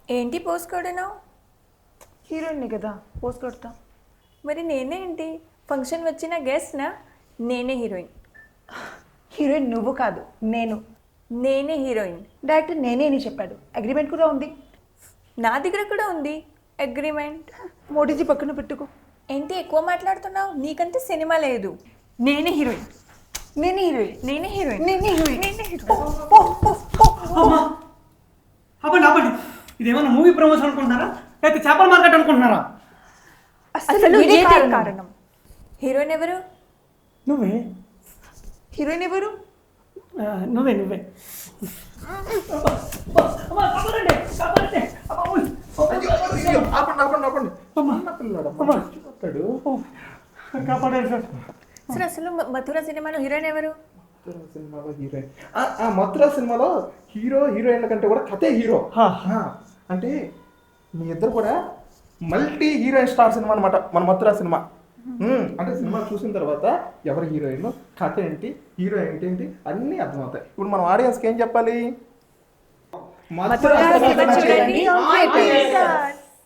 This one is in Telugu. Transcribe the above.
ఏంటి పోస్ట్ కొడను? హీరోయిన్ని కదా పోస్ట్ కొడతా. మరి నేనే ఏంటి? ఫంక్షన్ వచ్చిన గెస్ట్నా? నేనే హీరోయిన్. హీరోయిన్ నువ్వు కాదు, నేను. నేనే హీరోయిన్. డైరెక్టర్ నేనే అని చెప్పాడు. అగ్రిమెంట్ కూడా ఉంది. నా దగ్గర కూడా ఉంది అగ్రిమెంట్. మోడీజీ పక్కన పెట్టుకో. ఏంటి ఎక్కువ మాట్లాడుతున్నావు? నీకంటే సినిమా లేదు. నేనే హీరోయిన్. నేనే హీరోయిన్. నేనే హీరోయిన్. నేనే హీరోయిన్. నేనే హీరోయిన్. ఆపండి ఆపండి, ఇదేమన్నా మూవీ ప్రమోషన్ అనుకుంటున్నారా లేకపోతే చేపల మార్కెట్ అనుకుంటున్నారా? అసలు వీడే ఇదే కారణం. కారణం. హీరోయిన్ ఎవరు? నువ్వే హీరోయిన్ ఎవరు? నువ్వే నువ్వే. కాపాడారు సార్. సార్ అసలు మథుర సినిమాలో హీరోయిన్ ఎవరు? సినిమాలో హీరోయిన్ మథురా సినిమాలో హీరోయిన్ల కంటే కూడా కథే హీరో. అంటే మీ ఇద్దరు కూడా మల్టీ హీరోయిన్ స్టార్ సినిమా అనమాట మన మథురా సినిమా. అంటే సినిమా చూసిన తర్వాత ఎవరు హీరోయిన్, కథ ఏంటి, హీరో ఏంటి అన్నీ అర్థమవుతాయి. ఇప్పుడు మనం ఆడియన్స్కి ఏం చెప్పాలి? మథురా సినిమా చూడండి.